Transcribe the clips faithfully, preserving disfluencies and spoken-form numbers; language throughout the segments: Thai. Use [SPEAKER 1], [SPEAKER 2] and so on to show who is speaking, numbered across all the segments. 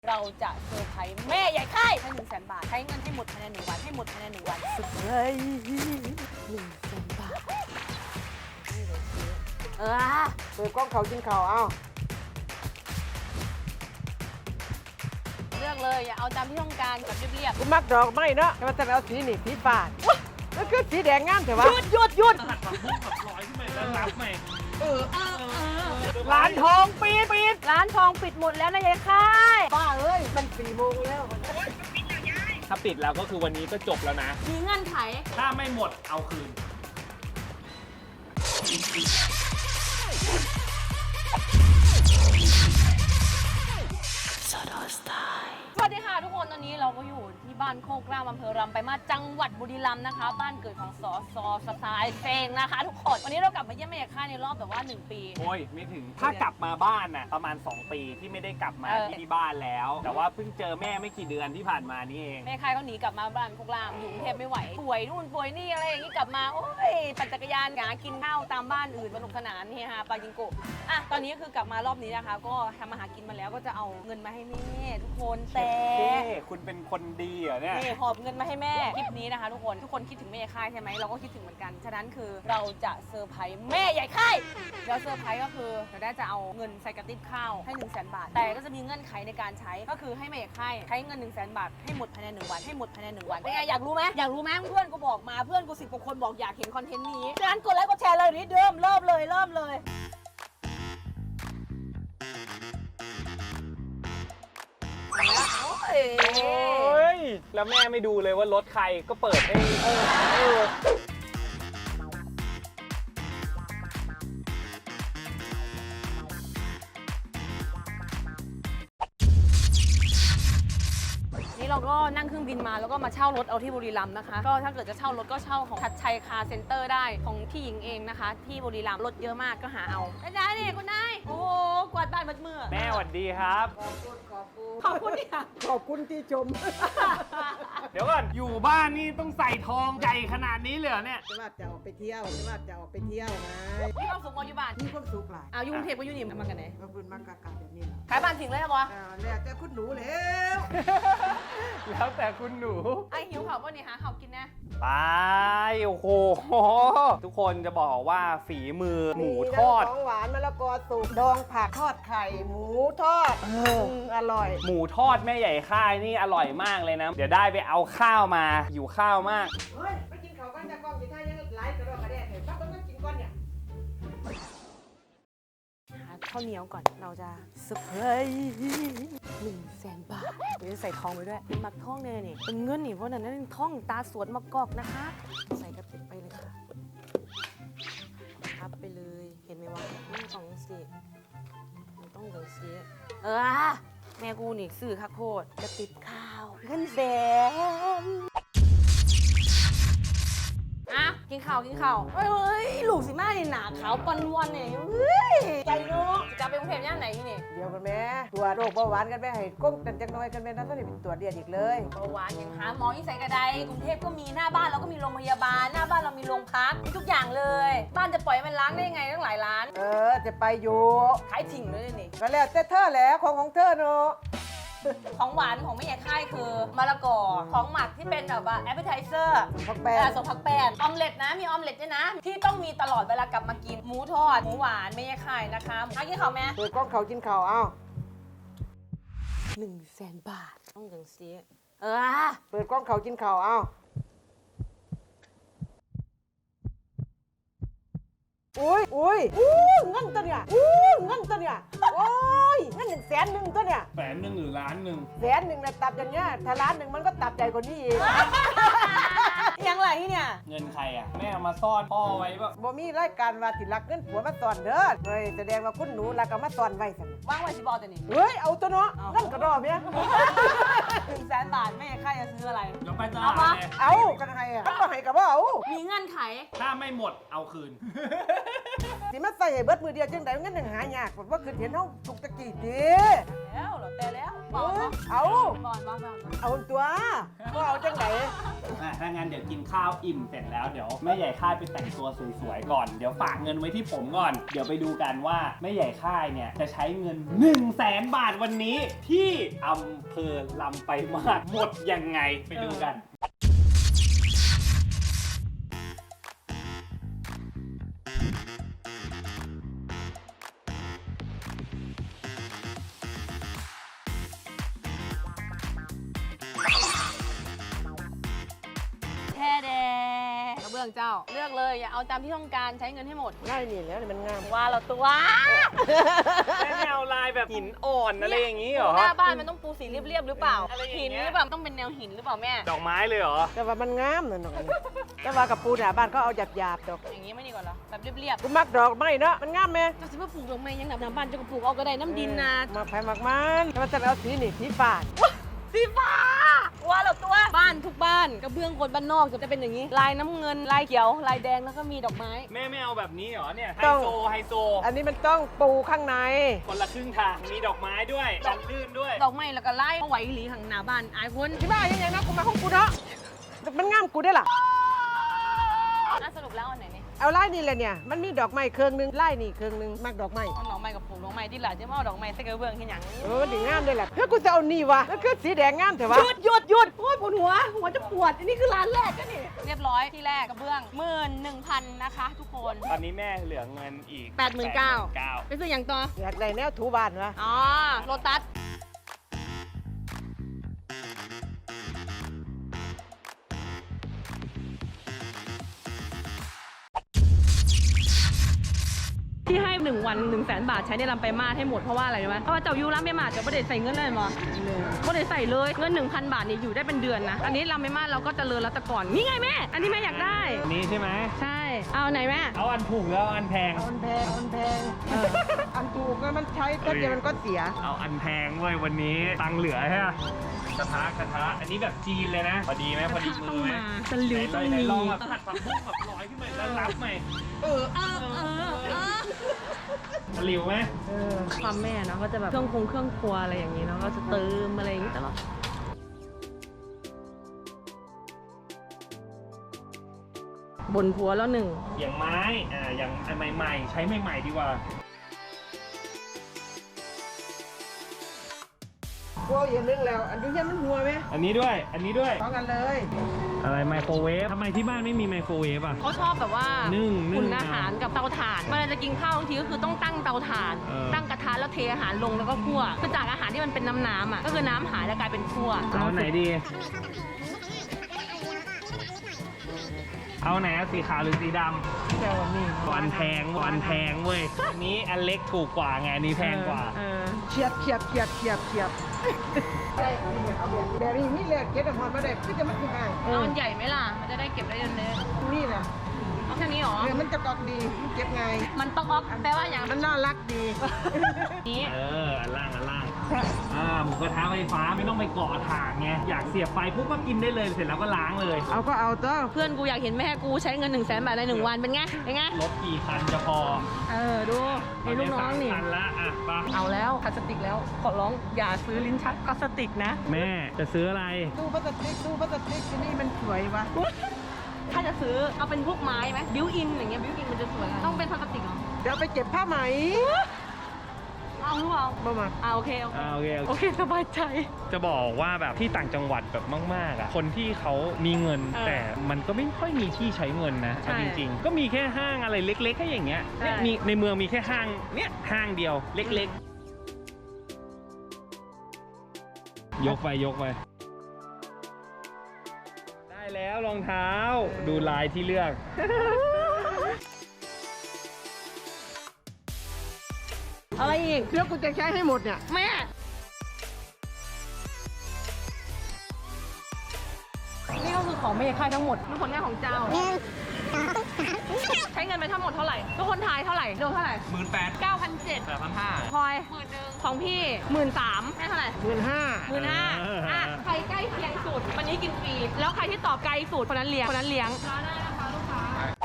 [SPEAKER 1] เราจะเซอร์ไพรส์แม่ใหญ่ค่ายให้หนึ่งแสนบาทใช้เงินให้หมดภายในหนึ่งวันให้หมดภายในหนึ่งวันสุดเลยหนึ่งแสนบาทเออ
[SPEAKER 2] เปิดกล้องเขากินข่าวเอ้า
[SPEAKER 1] เลือกเลยอย่าเอาตามที่ต้องการแบบเรียบ
[SPEAKER 2] กูมักดอกไม้เนาะแต่ว่าจะเอาสีนี่สีฟ้าแล้วคือสีแดงงามแต่ว่า
[SPEAKER 1] หยุดหยุดหยุด
[SPEAKER 3] หัดผักบุ้งกับร้อยขึ้นไปแล้วรับใหม่
[SPEAKER 1] ร้านทองปิดปิดร้านทองปิดหมดแล้วนะยายค่าย
[SPEAKER 2] ป้าเอ้ยมันสี่โมงแล้ว
[SPEAKER 3] ถ้าปิดแล้วก็คือวันนี้ก็จบแล้วนะ
[SPEAKER 1] มีเงื่อนไข
[SPEAKER 3] ถ้าไม่หมดเอาคืน
[SPEAKER 1] สวัสดีค่ะทุกคนตอนนี้เราก็อยู่ที่บ้านโคกรามอำเภอรำไปมาจังหวัดบุรีรัมย์นะคะ บ้านเกิดของสอสอสไตล์เฟงนะคะ ทุกคนวันนี้เรากลับมาเยี่ยมแม่ยายค่ายในรอบแบบว่าหนึ่งปี
[SPEAKER 3] โอ้ยไม่ถึง ถ้ากลับมาบ้านน่ะประมาณ สอง ปีที่ไม่ได้กลับมา
[SPEAKER 1] เออ
[SPEAKER 3] ที่บ้านแล้ว แต่ว่าเพิ่งเจอแม่ไม่กี่เดือนที่ผ่านมานี่เอง
[SPEAKER 1] แม่ค่ายเขาหนีกลับมาบ้านโคกรามอยู่กรุงเทพไม่ไหวป่วยนู่นป่วยนี่อะไรอย่างนี้กลับมาโอ้ยปั่นจักรยานหากินข้าวตามบ้านอื่นสนุกสนานเฮฮาปาจิงโกะอ่ะตอนนี้คือกลับมารอบนี้นะคะ ก็ทำอาหารกินมาแล้วก็จะเอาเงินมาให้แม่ทุกคนแต่
[SPEAKER 3] เอ๊ะคุณเป็นคนดีเหรอเนี่ย
[SPEAKER 1] นี่หอบเงินมาให้แม่คลิปนี้นะคะทุกคนทุกคนคิดถึงแม่ใหญ่ค่ายใช่ไหมเราก็คิดถึงเหมือนกันฉะนั้นคือเราจะเซอร์ไพรส์แม่ใหญ่ค่ายแล้วเซอร์ไพรส์ก็คือเราได้จะเอาเงินใส่กระติบข้าวให้หนึ่งแสนบาทแต่ก็จะมีเงื่อนไขในการใช้ก็คือให้แม่ใหญ่ค่ายใช้เงินหนึ่งแสนบาทให้หมดภายในหนึ่งวันให้หมดภายในหนึ่งวันเป็นไงอยากรู้ไหมอยากรู้ไหมเพื่อนกูบอกมาเพื่อนกูสิบกว่าคนบอกอยากเห็นคอนเทนต์นี้ฉะนั้นกดไลค์กดแชร์เลยนี่เดิมเริ่มเลยเริ่มเลยโอ้ย
[SPEAKER 3] โอ้ย แล้วแม่ไม่ดูเลยว่ารถใครก็เปิดให้เออเออ
[SPEAKER 1] นี่เราก็นั่งเครื่องบินมาแล้วก็มาเช่ารถเอาที่บุรีรัมย์นะคะก็ถ้าเกิดจะเช่ารถก็เช่าของชัดชัยคาร์เซ็นเตอร์ได้ของพี่หญิงเองนะคะ ที่บุรีรัมย์รถเยอะมากก็หาเอาอาจารย์นี่คุณนายโอ้โหกวาดบ้านมัดมือ
[SPEAKER 3] แม่สวัสดีครับ
[SPEAKER 2] ขอบคุณขอบคุณ
[SPEAKER 1] ขอบคุณเนี่ย
[SPEAKER 2] ขอบคุณที่ชม
[SPEAKER 3] เดี๋ยวก่อนอยู่บ้านนี่ต้องใส่ทองใหญ่ขนาดนี้เลยเหรอเนี่ย
[SPEAKER 2] จะว่าจะออกไปเที่ยวจะว่าจะออกไปเที่ยวนะ
[SPEAKER 1] มีความสุขมออยู่บ้าน
[SPEAKER 2] มีความสุขหลาย
[SPEAKER 1] เอาอยู่กรุงเทพก็อยู่นี่มากันไหน
[SPEAKER 2] ขอบคุณมากกะกะแบบนี้นะ
[SPEAKER 1] ขายบ้านทิ้งเลยเหรอวะ
[SPEAKER 2] อ่าแล้วแต่คุณหนูแล้ว
[SPEAKER 3] แล้วแต่คุณหนู
[SPEAKER 1] ไอหิวเขาป่ะนี่หาเขากินนะ
[SPEAKER 3] ไปโอ้โหทุกคนจะบอกว่าฝีมือหมูทอด
[SPEAKER 2] มีของหวานมะละกอสุกดองผักทอดไข่หมูทอดมอร่อย
[SPEAKER 3] หมูทอดแม่ใหญ่ค่ายนี่อร่อยมากเลยนะ เดี๋ยวได้ไปเอาข้าวมาอยู่ข้าวมาก
[SPEAKER 2] เฮ้ยไปกินข้าวกันจากกล้องกินท่ายังไลฟ์กระโดดกระเดะเห็นปั๊บต้องกินก้อนเนี่ย
[SPEAKER 1] หาข้าวเหนียวก่อนเราจะเซอร์ไพรส์หนึ่งแสนบาทเดี๋ยวจะใส่ทองไปด้วยเป็นมักทองเลยนี่เป็นเงินนี่เพราะนั้นนั่นทองตาสวนมะกอกนะคะ ใส่กระติกไปเลยค่ะพับไปเลยเห็นไหมว่านี่ของสิมันต้องอย่างสีเออแม่กูนี่ซื้อคักโพดกระติบข้าวเงินแสนอ่ะกินข้าวกินข้าวเฮ้ยลูกสิมาเนี่ยหนาขาวปันวันเนี่ยเฮ้ยใจเนาะจะไปกรุงเทพย่านไหนที่นี่
[SPEAKER 2] เดี๋ยวกันแม่ตัวจโรคเบาหวานกันแม่ให้ก้งกันจังน้อยกันแม่นั่นต้องได้เป็นตัวจเดียดอีกเลย
[SPEAKER 1] เบาหวานยังหาหมอที่ใส่กระไดกรุงเทพก็มีหน้าบ้านเราก็มีโรงพยาบาลหน้าบ้านเรามีโรงพักมีทุกอย่างเลย บ้านจะปล่อยให้มันล้างได้ยังไงตั้งหลายล้าน
[SPEAKER 2] เออจะไปอยู่
[SPEAKER 1] ขายทิ้งเลยนี่
[SPEAKER 2] ก็แล้วแต่เธอแหละของของเธอเนาะ
[SPEAKER 1] ของหวานของแม่ใหญ่ค่ายคือมะละกอของหมักที่เป็นแบบว่าแอปเปอร์ไทเซอร์
[SPEAKER 2] ผักแป
[SPEAKER 1] เอ
[SPEAKER 2] ด
[SPEAKER 1] อสมผักแป้นออมเล็ตนะมีออมเล็ตด้วยนะ ที่ต้องมีตลอดเวลากลับมากินหมูทอดหมูหวานแม่ใหญ่ค่ายนะคะเอากินข้าวแม่
[SPEAKER 2] เปิดกล้องเขากินข่าวเอ้า
[SPEAKER 1] หนึ่งแสนบาทต้องอย่างซีเออ
[SPEAKER 2] เปิดกล้องเขากินข่าวเอ้าอุ้ยอุ้ยอู้เงินตัวเนี่ยอู้เงินตัวเนี่ยโอ้ยเงินหนึ่งแสนหนึ่งตัวเนี่ย
[SPEAKER 3] แสนหนึ่งหรือล้านหนึ่ง
[SPEAKER 2] แสนหนึ่งนะตับอย่างเงี้ยถ้าล้านหนึ่งมันก็ตับใหญ่กว่านี้อีก
[SPEAKER 1] ยังไรที่เนี่ย
[SPEAKER 3] เงินใครอ่ะ แม่เอามาซ่อนพ่อไว้ปะ
[SPEAKER 2] บ่มีรายการว่าสิรักเงินผัวมาตอนเด้อเฮ้ยแสดงว่าคุณหนูรักเอามาตอนไว้สั่น
[SPEAKER 1] ว่างไว้สิบอลแต่นี่
[SPEAKER 2] เฮ้ยเอาตัวเนาะนั่นก็รอเมีย
[SPEAKER 1] หนึ่งแสนบาทแม่ใครจะซื้ออะไร
[SPEAKER 3] เดี๋ยวไปต
[SPEAKER 1] เอา
[SPEAKER 3] ลา
[SPEAKER 1] ปะ
[SPEAKER 3] ดเลย
[SPEAKER 2] เอากันให้อ่ะก็ให้กับว่าเอา
[SPEAKER 1] มีเงื่อนไข
[SPEAKER 3] ถ้าไม่หมดเอาคืน
[SPEAKER 2] สิมาใส่ให้เบิดมือเดียวจังได๋เงินยังหายากว่าคือเห็นเฮาทุกตะกี้ติ
[SPEAKER 1] แล้วเหรอแต่แล้วบ
[SPEAKER 2] เอ
[SPEAKER 1] อก
[SPEAKER 2] อ
[SPEAKER 1] ว่า
[SPEAKER 2] เอา
[SPEAKER 1] บอลบอลบอล
[SPEAKER 2] เอาตัวบ่เอาจังได๋
[SPEAKER 3] อ่ะถ้างั้นเดี๋ยวกินข้าวอิ่มเสร็จแล้วเดี๋ยวแม่ใหญ่ค่ายไปแต่งตัวสวยๆก่อนเดี๋ยวฝากเงินไว้ที่ผมก่อนเดี๋ยวไปดูกันว่าแม่ใหญ่ค่ายเนี่ยจะใช้เงิน1นึ่งแสนบาทวันนี้ที่อำเภอลำไปลายมาศหมดยังไงไปดูกัน
[SPEAKER 1] กระเบื้องเจ้าเลือกเลยอย่าเอาตามที่ต้องการใช้เงินให้หมด
[SPEAKER 2] ได้นี่แล้วมันงาม
[SPEAKER 1] ว่าเราตัว
[SPEAKER 3] แม่แนวลายแบบหินอ่อนอะไรอย่างนี้เหรอ
[SPEAKER 1] หน้าบ้านมันต้องปูสีเรียบๆหรือเปล่า
[SPEAKER 3] อะไรอย่างเงี้ย
[SPEAKER 1] หินหรือเปล่าต้องเป็นแนวหินหรือเปล่าแม่
[SPEAKER 3] ดอกไม้เลยเหรอ
[SPEAKER 2] แต่ว่ามันงามน่ะน้องแต่ว่ากับปูหน้าบ้านก็เอาหยาบๆดอก
[SPEAKER 1] อย่างนี้ไม่ดีกว่าเหรอแบบเรียบ
[SPEAKER 2] กูมักดอกไม้เนาะมันงามไหม
[SPEAKER 1] ๆเราจะมาปลูกดอกไม้ยังหน้าบ้านจะปลูกเอาก็ได้น้ำดินนะ
[SPEAKER 2] มักไผ่มักมันแต่ว่าจะเอาสีนี่สีฟ้า
[SPEAKER 1] สีฟ้าว่าเราตัวบ้านทุกบ้านกระเบื้องคนบ้านนอกจะเป็นอย่างนี้ ลายน้ำเงินลายเขียวลายแดงแล้วก็มีดอกไม้
[SPEAKER 3] แม่ไม่เอาแบบนี้เหรอเนี่ยไฮ
[SPEAKER 2] ต้อง
[SPEAKER 3] โซไฮโซ
[SPEAKER 2] อันนี้มันต้องปูข้างใน
[SPEAKER 3] คนละครึ่งทางมีดอกไม้ด้วยกันลื่นด้วย
[SPEAKER 1] ดอกไม้แล้วก็ไล่เอาไว้หลีข้างหน้าบ้านไอ้คน
[SPEAKER 2] ที่บ้านยังไงนะกูมาของกูเนาะมันงามกูได้ล่ะ
[SPEAKER 1] น่าสรุปแล้วอันไหนนี่
[SPEAKER 2] เอาไล่นี่แหละเนี่ยมันมีดอกไม้เครื่องนึงไล่นี่เครื่องนึงมักดอกไม้
[SPEAKER 1] เอาดอกไม้กับปลูกดอกไม้ที่หล่ะจะมาเอาดอกไม้ใส่กระเบื้องที่หยัง
[SPEAKER 2] เออดีงามด้วยแหละเพื่อกูจะเอานี่วะแล้วคือสีแดงงามแต่
[SPEAKER 1] ห
[SPEAKER 2] ว่า
[SPEAKER 1] ยุดหยุดหยุดโอ้ยปวดหัวหัวจะปวดอันนี้คือร้านแรกก็นี่เรียบร้อยที่แรกกระเบื้องหมื่นหนึ่งพันนะคะทุกคน
[SPEAKER 3] ตอนนี้แม่เหลือเงินอีก
[SPEAKER 1] แปดหมื่นเก้า
[SPEAKER 3] เก้า
[SPEAKER 1] ไปซื้ออย่างต่อ
[SPEAKER 2] อยากได้แนวถูบ้านวะ
[SPEAKER 1] อ๋อโลตัสที่ให้หนึ่งวันหนึ่งแสนบาทใช้ในลำไปมาศให้หมดเพราะว่าอะไรรู้ไหมเพราะว่าเจ้ายูลำไปมาศจะไม่ได้ใส่เงินเลยมั้งไม่ได้ใส่เลยเงินหนึ่งพันบาทนี่อยู่ได้เป็นเดือนนะอันนี้ลำไปมาศเราก็เจริญแล้วแต่ก่อนนี่ไงแม่อันนี้แม่อยากได้
[SPEAKER 3] อันนี้ใช่ไหม
[SPEAKER 1] ใช่เอาไหนแม่
[SPEAKER 3] เอาอันถูกแล้วเอาอันแพง
[SPEAKER 2] เอาอันแพงเอาอันแพงเอออันถูกนะมันใช้แป๊บเดียวมันก็เสีย
[SPEAKER 3] เอาอันแพงเว้ยวันนี้ตังค์เหลือใช่ไหมกระทะกระทะอันนี้แบบจีนเลยนะ พอดีไหมพอดีมือไหม
[SPEAKER 1] ตะลิวต้อง
[SPEAKER 3] ไหน
[SPEAKER 1] มี
[SPEAKER 3] ๆลองแบบผัดผักบุ้งแบบลอยขึ้นมาแล้วรับใหม่
[SPEAKER 2] เออ
[SPEAKER 1] เออเออเออ
[SPEAKER 3] ตะหลิวไหม
[SPEAKER 2] เออ
[SPEAKER 1] ความแม่เนาะก็จะแบบเครื่องคงเครื่องครัวอะไรอย่างนี้เนาะก็จะเติมอะไรอย่างนี้ตลอดบนผัวแล้วหนึ่ง
[SPEAKER 3] อย่างไม้อ่าอย่างอันใหม่ๆ ใช้ใหม่ๆดีกว่า
[SPEAKER 2] กูเอาอย่างนึงแล้ว อันนี้ยังมันหัวไหม
[SPEAKER 3] อันนี้ด้วยอันนี้ด้วย
[SPEAKER 2] สองอันเลย
[SPEAKER 3] อะไรไมโครเวฟทำไมที่บ้านไม่มีไมโครเวฟอ่ะ
[SPEAKER 1] เขาชอบแบบว่า
[SPEAKER 3] นึ่งนึ่ง
[SPEAKER 1] อุ่นอาหารกับเตาถ่านเวลาจะกินข้าวบางทีก็คือต้องตั้งเตาถ่าน
[SPEAKER 3] เออ
[SPEAKER 1] ตั้งกระทะแล้วเทอาหารลงแล้วก็คั่วคือจากอาหารที่มันเป็นน้ำน้ำๆอ่ะก็คือน้ำหายแล้วกลายเป็นคั่ว
[SPEAKER 3] เอาไหนดี เอาไหนอะสีขาวหรือสีด
[SPEAKER 2] แก้วนี่
[SPEAKER 3] ำวันแพงวันแพงเว้ยอันนี้อันเล็กถูกกว่าไงอันนี้แพงกว่า
[SPEAKER 1] เออ
[SPEAKER 2] เฉียบเฉียบเฉียบเฉียบเฉียบใช่เอาแบบแบบนี้นี่แหละเก็บแต่พอมาได้ก็จะมันคือง่าย
[SPEAKER 1] เอามันใหญ่ไหมล่ะมันจะได้เก็บได้เยอะ
[SPEAKER 2] นี่แหละ
[SPEAKER 1] ๆเอาแค่นี้หรอ
[SPEAKER 2] เดี๋ยวมันจะกอกดีมันเก็บง่าย
[SPEAKER 1] มันต้องออฟแปลว่าอย่าง
[SPEAKER 2] มันน่ารักดี
[SPEAKER 1] นี้
[SPEAKER 3] เอออันล่างอันล่างอ่าหมูกระทะไฟฟ้าไม่ต้องไปเกาะถ่านไงอยากเสียบไฟปุ๊บก็กินได้เลยเสร็จแล้วก็ล้างเลย
[SPEAKER 2] เอาก็เอาตัว
[SPEAKER 1] เพื่อนกูอยากเห็นแม่กูใช้เงินหนึ่งแสนบาทในหนึ่งวันเป็นไงเป็นไง
[SPEAKER 3] รถกี่คันจะพอ
[SPEAKER 1] เออดูไอ้ลูกน้องนี่
[SPEAKER 3] คันละอ่ะไป
[SPEAKER 1] เอาแล้วพลาสติกแล้วขอร้องอย่าซื้อลิ้นชักพลาสติกนะ
[SPEAKER 3] แม่จะซื้ออะไร
[SPEAKER 2] ตู้พลาสติกตู้พลาสติกที่นี่มันสวยวะ
[SPEAKER 1] ถ้าจะซื้อเอาเป็นพวกไม้ไหมบิวอินอย่างเงี้ยบิวอินมันจะสวยอะต้องเป็นพลาสติกเหรอ
[SPEAKER 2] เดี๋ยวไปเก็บผ้าไหม
[SPEAKER 1] เอาหรือเปล่า
[SPEAKER 2] บ่มา
[SPEAKER 1] อ่าโอเคโอเค
[SPEAKER 3] อ่าโอเค
[SPEAKER 1] โอเคสบายใจ
[SPEAKER 3] จะบอกว่าแบบที่ต่างจังหวัดแบบมากๆอ่ะคนที่เขามีเงิน
[SPEAKER 1] เออ
[SPEAKER 3] แต่มันก็ไม่ค่อยมีที่ใช้เงินนะ
[SPEAKER 1] ใช่
[SPEAKER 3] เอาจริงๆ ก็มีแค่ห้างอะไรเล็กๆแค่อย่างเงี้ย
[SPEAKER 1] ใช่
[SPEAKER 3] เนี่ยมีในเมืองมีแค่ห้างเนี่ยห้างเดียวเล็กๆ ยกไปยกไป ได้แล้วรองเท้าดูลายที่เลือก
[SPEAKER 1] อะไรอีก
[SPEAKER 2] เดี๋ยวกูจะใช้ให้หมดเนี่ย
[SPEAKER 1] แม่ นี่ก็คือของไม่ใช่ค่ายทั้งหมดเป็นผลงานของเจ้า ใช้เงินไปทั้งหมดเท่าไหร่ ทุกคนทายเท่าไหร่โดนเท่าไหร่
[SPEAKER 3] หมื่นแปด
[SPEAKER 1] เก้าพันเจ็ด
[SPEAKER 3] แปดพันห้า
[SPEAKER 1] พลอยหมื่นหนึ่งของพี่หมื่นสามให้เท่าไหร่
[SPEAKER 2] หมื่นห้า
[SPEAKER 1] หมื่นห้าอ่ะใครใกล้เคียงสุดวันนี้กินฟรี แล้วใครที่ตอบไกลสุดคนนั้นเลี้ยงคนนั้นเลี้ยงร้านได้นะคะลูกค้า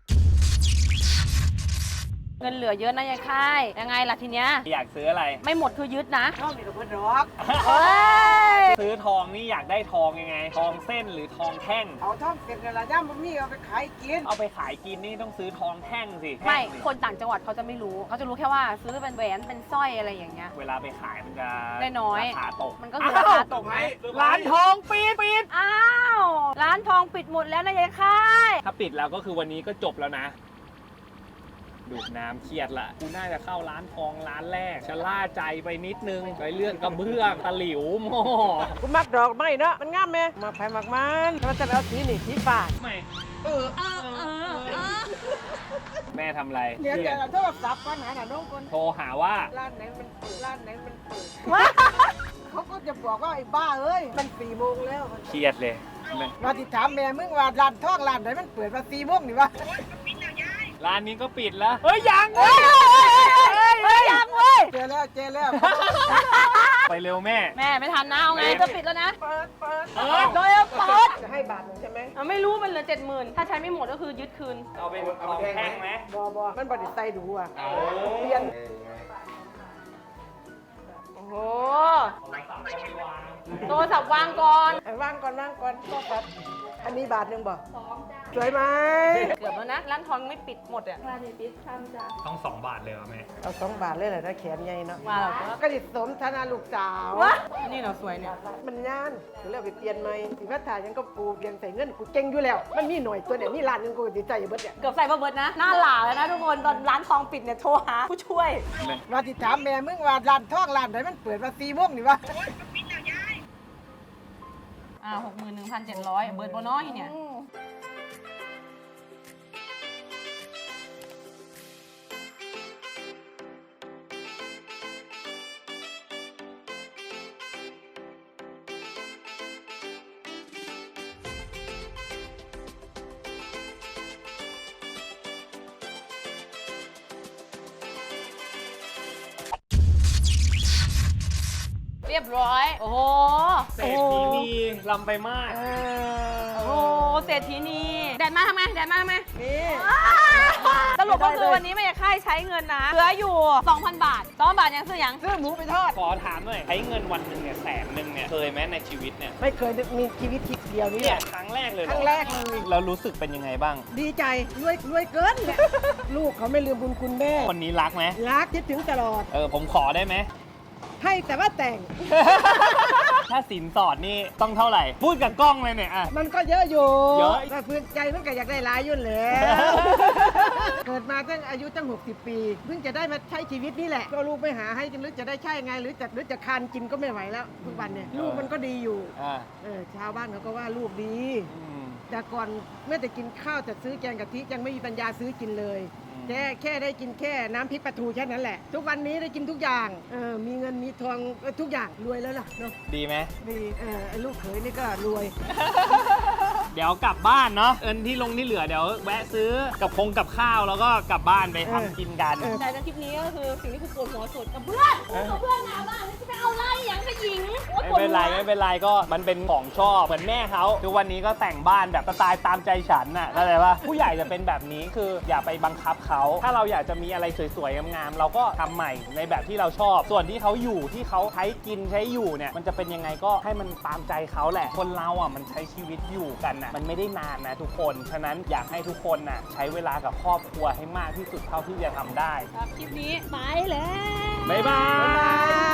[SPEAKER 1] เงินเหลือเยอะนะยายค่ายยังไงล่ะทีเนี้ย
[SPEAKER 3] อยากซื้ออะไร
[SPEAKER 1] ไม่หมดคือยึดนะ
[SPEAKER 2] ชอบมีแต่คนรอก
[SPEAKER 1] เฮ้ย
[SPEAKER 3] ซื้อทองนี่อยากได้ทองยังไง ทองเส้นหรือทองแท่ง
[SPEAKER 2] เอาท่องเสร็จแล้วละย่ามันมีเอาไปขายกิน
[SPEAKER 3] เอาไปขายกินนี่ต้องซื้อทองแท่งสิ
[SPEAKER 1] ไม่
[SPEAKER 3] แท่งสิ
[SPEAKER 1] คนต่างจังหวัดเขาจะไม่รู้เขาจะรู้แค่ว่าซื้อเป็นแหวนเป็นสร้อยอะไรอย่างเงี้ย
[SPEAKER 3] เวลาไปขายมันจะ
[SPEAKER 1] ได้น้อย
[SPEAKER 3] ราคาตก
[SPEAKER 1] มันก็คือราคาตกไหม
[SPEAKER 3] ร้านทองปิดปิด
[SPEAKER 1] อ้าวร้านทองปิดหมดแล้วนะยายค่าย
[SPEAKER 3] ถ้าปิดแล้วก็คือวันนี้ก็จบแล้วนะ ดูดน้ำเครียดละกูน่าจะเข้าร้านทองร้านแรกชะล่าใจไปนิดนึงไปเรื่องกระเบื้องตะหลิวหม้อ
[SPEAKER 2] กูมักดอกไม้เนาะมันงามไหมมาไผ่มักมันถ้ามันจะเอาสีนี่สีฟ้า
[SPEAKER 3] ไม่
[SPEAKER 2] เออ
[SPEAKER 3] แม่ทำอะไร
[SPEAKER 2] เดี๋ยวจะโทรศัพท์ปัญหาหน่ะน้องคน
[SPEAKER 3] โทรหาว่า
[SPEAKER 2] ร้านไหนมันเปิดร้านไหนมันเปิดเขาก็จะบอกว่าไอ้บ้าเอ้ยมันสี่โมงแล้ว
[SPEAKER 3] เครียดเลยแม่
[SPEAKER 2] มาติดถามแม่มึงว่าร้านทองร้านไหนมันเปิดมาสี่โมงนี่วะ
[SPEAKER 3] ร้านนี้ก็ปิดแล้ว เฮ้ยยังเว้
[SPEAKER 1] เฮ้
[SPEAKER 3] ย
[SPEAKER 1] ยเฮ้ยยังเว้ย
[SPEAKER 2] เจอแล้วเจอแล้ว
[SPEAKER 3] ไปเร็วแม่
[SPEAKER 1] แม่ไม่ทันนะเอาไงจะปิดแล้วนะ
[SPEAKER 2] เปิดเปิด
[SPEAKER 3] เออ
[SPEAKER 1] โดยเปิด
[SPEAKER 2] จะให้บาทหนึ่งใช่ไหม
[SPEAKER 1] อ่ะไม่รู้มันเหลือเจ็ดหมื่นถ้าใช้ไม่หมดก็คือยึดคืน
[SPEAKER 3] เอาเป็นทองแท่งไหม
[SPEAKER 2] บอบอมันบไดิใส่ดูอ่ะ
[SPEAKER 3] เอา
[SPEAKER 2] เปลี่ยน
[SPEAKER 1] โอ้โหโทรศัพท์วางก่อน
[SPEAKER 2] เอาว่างก่อนว่างก่อนก็ครับอันนี้บาทหนึ่งบ่สวยไหม
[SPEAKER 1] เกือบแล้วนะร้านทองไม่ปิดหมดอ่ะ
[SPEAKER 3] ต้องสองบาทเลยเหรอแม่
[SPEAKER 2] เอาสองบาทเลยแหละถ้าแขนใหญ่เนาะ
[SPEAKER 1] มาแล้ว
[SPEAKER 2] ก็ดิสมธนาลูกสาว
[SPEAKER 1] วะนี่เราสวยเนี่ย
[SPEAKER 2] มันย่านเดี๋ยวเราไปเปลี่ยนใหม่สิว่าถ่ายยังก็ปูเปลี่ยนใส่เงินกูเก่งอยู่แล้ว มันมีหน่อยตัวเนี่ยมีร้านหนึงกูติดใจอยู่เบิดเนี่ย
[SPEAKER 1] เกือบใส่มาเบิร์ดนะ หน้าหล่าแล้วนะทุกคนตอนร้านทองปิดเนี่ยโทรหาผู้ช่วย
[SPEAKER 2] มาติดถามแม่มึงว่าร้านทองร้านไหนมันเปิดมาสี่โมงนี่วะ
[SPEAKER 1] อ่าหกหมื่นหนึ่งพันเจ็ดร้อยเบิร์ดโบน้อยเนี่ย เรียบร้อย โอ้โห
[SPEAKER 3] เศรษฐีนีลำไปมาก
[SPEAKER 2] เอ
[SPEAKER 1] โอ้โห เศรษฐีนีแดดมาทำไมแดดมาทำไม
[SPEAKER 2] นี่
[SPEAKER 1] สรุปก็คือวันนี้ไม่อยากค่ายใช้เงินนะเหลืออยู่ สองพัน บาท สองพัน บาทยังซื้อยัง
[SPEAKER 2] ซื้อหมูไปทอด
[SPEAKER 3] ขอถามหน่อยใช้เงินวันหนึ่งเนี่ยแสนหนึ่งเนี่ยเคยไหมในชีวิตเนี่ย
[SPEAKER 2] ไม่เคยมีชีวิตทิพเดียวนี้
[SPEAKER 3] เนี่ย
[SPEAKER 2] แหละ
[SPEAKER 3] ครั้งแรกเลยเห
[SPEAKER 2] ค
[SPEAKER 3] อ
[SPEAKER 2] รั้งแรกเลย
[SPEAKER 3] แล้วรู้สึกเป็นยังไงบ้าง
[SPEAKER 2] ดีใจรวยรวยเกินเนี่ยลูกเขาไม่ลืมบุญคุณแม่
[SPEAKER 3] คนนี้รักไหม
[SPEAKER 2] รักคิดถึงตลอด
[SPEAKER 3] เออผมขอได้ไหม
[SPEAKER 2] ให้แต่ว่าแต่ง
[SPEAKER 3] ถ้าสินสอดนี่ต้องเท่าไหร่ พูดกับกล้องเลยเนี่ยอ่ะ
[SPEAKER 2] มันก็เยอะอยู่
[SPEAKER 3] เยอะ
[SPEAKER 2] แต่พื้นใจมันก็อยากได้หลายอยุ่นแหล้ว เกิดมาตั้งอายุตั้งหกสิบปี เพิ่งจะได้มาใช้ชีวิตนี่แหละ ก็ลูกไปหาให้หรือจะได้ใช่ไง หรือจะหรือจะคานกินก็ไม่ไหวแล้วทุกวันเนี่ยลูกมันก็ดีอยู่
[SPEAKER 3] อ่า
[SPEAKER 2] เออชาวบ้านเขาก็ว่าลูกดี
[SPEAKER 3] อืม
[SPEAKER 2] แต่ก่อนเมื่อแต่กินข้าวจะซื้อแกงกะทิยังไม่มีปัญญาซื้อกินเลย
[SPEAKER 3] อืม
[SPEAKER 2] แค่แค่ได้กินแค่น้ำพริกปลาทูแค่นั้นแหละ ทุกวันนี้ได้กินทุกอย่างเออมีเงินมีทองเออทุกอย่างรวยแล้วล่ะเนาะ
[SPEAKER 3] ดีไหม
[SPEAKER 2] ดีเออไอ้ลูกเขยนี่ก็รวย
[SPEAKER 3] เดี๋ยวกลับบ้านเนาะเอินที่ลงที่เหลือเดี๋ยวแวะซื้อกับคงกับข้าวแล้วก็กลับบ้านไปทำกินกัน
[SPEAKER 2] เออ
[SPEAKER 1] แต่ในคลิปนี้ก็คือสิ่งที่คือปวดหัวสุดกับเพื่อนกับเพื่อนหนาบ้านจะไปเอาไล่อย่างกับหญิงโอ๊ย
[SPEAKER 3] ไม่
[SPEAKER 1] ปวด
[SPEAKER 3] เป็น
[SPEAKER 1] หั
[SPEAKER 3] ไร
[SPEAKER 1] ว
[SPEAKER 3] ไม่เป็นไรก็มันเป็นของชอบเหมือนแม่เขาคือวันนี้ก็แต่งบ้านแบบสไตล์ตามใจฉันน่ะเข้าใจป่ะผู้ใหญ่จะเป็นแบบนี้คืออย่าไปบังคับเขาถ้าเราอยากจะมีอะไรสวยๆงามๆเราก็ทำใหม่ในแบบที่เราชอบ ส่วนที่เขาอยู่ที่เขาใช้กินใช้อยู่เนี่ยมันจะเป็นยังไงก็ให้มันตามใจเขาแหละคนเราอ่ะมันใช้ชีวิตอยู่กันน่ะมันไม่ได้นานนะทุกคนฉะนั้นอยากให้ทุกคนน่ะใช้เวลากับครอบครัวให้มากที่สุดเท่าที่จะทำได้
[SPEAKER 1] ครับคลิปนี้ไปแล้ว
[SPEAKER 3] บ๊ายบาย